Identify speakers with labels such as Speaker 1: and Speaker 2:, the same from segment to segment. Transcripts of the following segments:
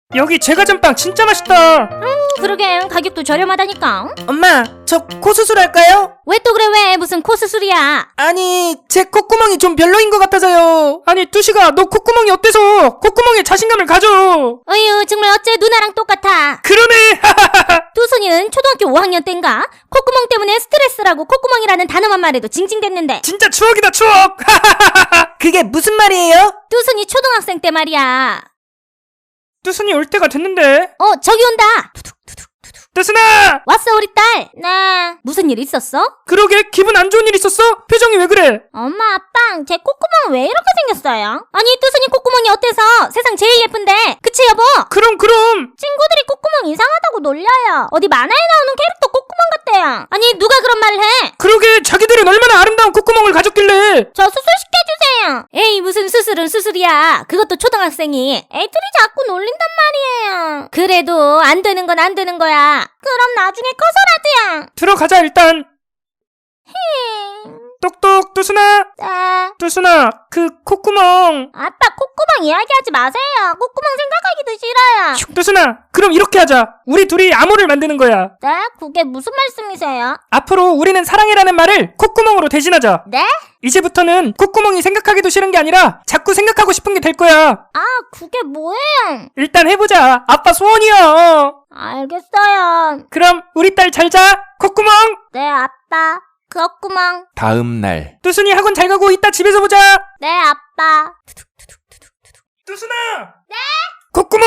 Speaker 1: 여기 제과점빵 진짜 맛있다.
Speaker 2: 그러게 가격도 저렴하다니까.
Speaker 3: 엄마, 저 코 수술할까요?
Speaker 2: 왜 또 그래? 왜 무슨 코 수술이야?
Speaker 3: 아니, 제 콧구멍이 좀 별로인 것 같아서요.
Speaker 1: 아니 뚜시가 너 콧구멍이 어때서? 콧구멍에 자신감을 가져.
Speaker 2: 어휴 정말 어째 누나랑 똑같아.
Speaker 1: 그러네.
Speaker 2: 뚜순이는 초등학교 5학년 때인가 콧구멍 때문에 스트레스라고 콧구멍이라는 단어만 말해도 징징댔는데
Speaker 1: 진짜 추억이다 추억.
Speaker 3: 그게 무슨 말이에요?
Speaker 2: 뚜순이 초등학생 때 말이야.
Speaker 1: 뚜순이 올 때가 됐는데.
Speaker 2: 저기 온다.
Speaker 1: 뚜순아.
Speaker 2: 왔어 우리 딸. 네. 무슨 일 있었어?
Speaker 1: 그러게 기분 안 좋은 일 있었어? 표정이 왜 그래?
Speaker 2: 엄마 아빠 제 콧구멍 왜 이렇게 생겼어요? 아니 뚜순이 콧구멍이 어때서 세상 제일 예쁜데 그치 여보?
Speaker 1: 그럼
Speaker 2: 친구들이 콧구멍 이상하다고 놀려요. 어디 만화에 나오는 캐릭터 콧구멍 같대요. 아니 누가 그런 말을 해?
Speaker 1: 그러게 자기들은 얼마나 아름다운 콧구멍을 가졌길래.
Speaker 2: 저 수술시켜주세요. 에이 무슨 수술은 수술이야. 그것도 초등학생이. 애들이 자꾸 놀린단 말이에요. 그래도 안 되는 건 안 되는 거야. 그럼 나중에 커서라도야.
Speaker 1: 들어가자 일단. 똑똑 뚜순아.
Speaker 2: 네.
Speaker 1: 뚜순아 그 콧구멍.
Speaker 2: 아빠 콧구멍 이야기하지 마세요. 콧구멍 생각하기도 싫어요.
Speaker 1: 뚜순아 그럼 이렇게 하자. 우리 둘이 암호를 만드는 거야.
Speaker 2: 네? 그게 무슨 말씀이세요?
Speaker 1: 앞으로 우리는 사랑해라는 말을 콧구멍으로 대신하자.
Speaker 2: 네?
Speaker 1: 이제부터는 콧구멍이 생각하기도 싫은 게 아니라 자꾸 생각하고 싶은 게 될 거야.
Speaker 2: 아 그게 뭐예요?
Speaker 1: 일단 해보자. 아빠 소원이야.
Speaker 2: 알겠어요.
Speaker 1: 그럼 우리 딸 잘 자. 콧구멍.
Speaker 2: 네 아빠. 콧구멍.
Speaker 4: 다음 날
Speaker 1: 뚜순이 학원 잘 가고 이따 집에서 보자.
Speaker 2: 네 아빠.
Speaker 1: 뚜순아. 네. 콧구멍.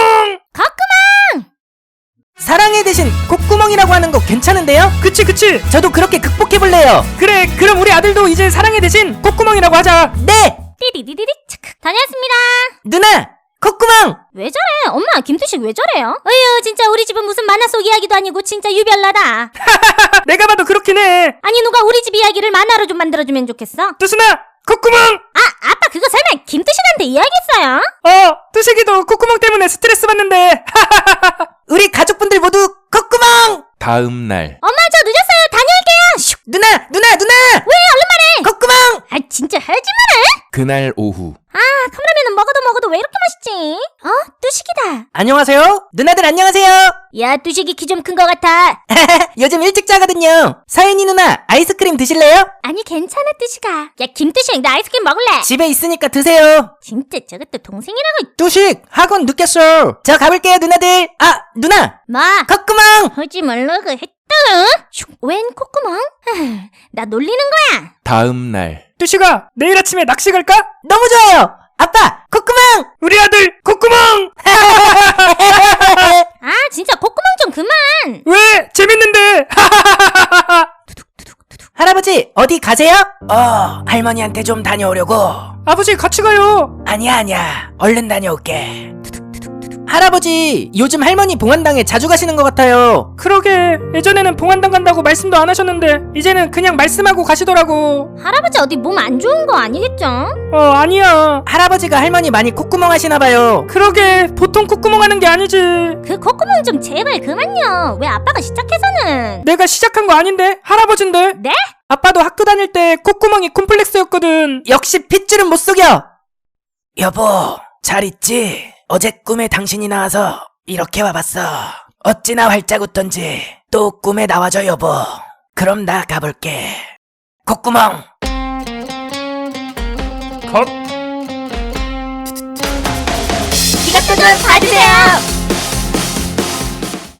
Speaker 3: 사랑해 대신 콧구멍이라고 하는 거 괜찮은데요?
Speaker 1: 그치.
Speaker 3: 저도 그렇게 극복해볼래요.
Speaker 1: 그래 그럼 우리 아들도 이제 사랑해 대신 콧구멍이라고 하자.
Speaker 3: 네!
Speaker 2: 띠디디디디 착. 다녀왔습니다.
Speaker 3: 누나! 콧구멍!
Speaker 2: 왜 저래? 엄마 김두식 왜 저래요? 어휴 진짜 우리 집은 무슨 만화 속 이야기도 아니고 진짜 유별나다.
Speaker 1: 내가 봐도 그렇긴 해.
Speaker 2: 아니 누가 우리 집 이야기를 만화로 좀 만들어주면 좋겠어.
Speaker 1: 뚜순아 콧구멍.
Speaker 2: 아빠 그거 설마 김두식한테 이야기했어요?
Speaker 1: 뚜식이도 콧구멍 때문에 스트레스 받는데.
Speaker 3: 우리 가족분들 모두 콧구멍!
Speaker 4: 다음 날
Speaker 2: 엄마 저 늦었어요. 다녀올게요. 슉.
Speaker 3: 누나!
Speaker 2: 왜 얼른 말해?
Speaker 3: 콧구멍!
Speaker 2: 아 진짜 하지 마라.
Speaker 4: 그날 오후
Speaker 2: 컵라면은 먹어도 왜 이렇게 맛있지? 뚜식이다.
Speaker 3: 안녕하세요. 누나들 안녕하세요.
Speaker 2: 야 뚜식이 키 좀 큰 거 같아.
Speaker 3: 요즘 일찍 자거든요. 서연이 누나 아이스크림 드실래요?
Speaker 2: 아니 괜찮아 뚜식아. 야 김뚜식 나 아이스크림 먹을래.
Speaker 3: 집에 있으니까 드세요.
Speaker 2: 진짜 저것도 동생이라고.
Speaker 3: 뚜식 학원 늦겠어. 저 가볼게요 누나들. 아 누나
Speaker 2: 뭐?
Speaker 3: 콧구멍!
Speaker 2: 하지 말라고 했다. 웬 콧구멍? 나 놀리는 거야.
Speaker 4: 다음 날
Speaker 1: 뚜식아 내일 아침에 낚시 갈까?
Speaker 3: 너무 좋아요. 아빠 콧구멍!
Speaker 1: 우리 아들 콧구멍.
Speaker 2: 진짜 콧구멍 좀 그만.
Speaker 1: 왜 재밌는데.
Speaker 3: 할아버지 어디 가세요? 할머니한테 좀 다녀오려고.
Speaker 1: 아버지 같이 가요.
Speaker 3: 아니야 얼른 다녀올게. 할아버지 요즘 할머니 봉안당에 자주 가시는 것 같아요.
Speaker 1: 그러게 예전에는 봉안당 간다고 말씀도 안 하셨는데 이제는 그냥 말씀하고 가시더라고.
Speaker 2: 할아버지 어디 몸 안 좋은 거 아니겠죠?
Speaker 1: 아니야.
Speaker 3: 할아버지가 할머니 많이 콧구멍 하시나봐요.
Speaker 1: 그러게 보통 콧구멍 하는 게 아니지.
Speaker 2: 그 콧구멍 좀 제발 그만요. 왜 아빠가 시작해서는.
Speaker 1: 내가 시작한 거 아닌데 할아버진데.
Speaker 2: 네?
Speaker 1: 아빠도 학교 다닐 때 콧구멍이 콤플렉스였거든.
Speaker 3: 역시 핏줄은 못 속여. 여보 잘 있지? 어제 꿈에 당신이 나와서 이렇게 와봤어. 어찌나 활짝 웃던지 또 꿈에 나와줘 여보. 그럼 나 가볼게. 콧구멍.
Speaker 1: 컷.
Speaker 2: 이것도 좀 봐주세요.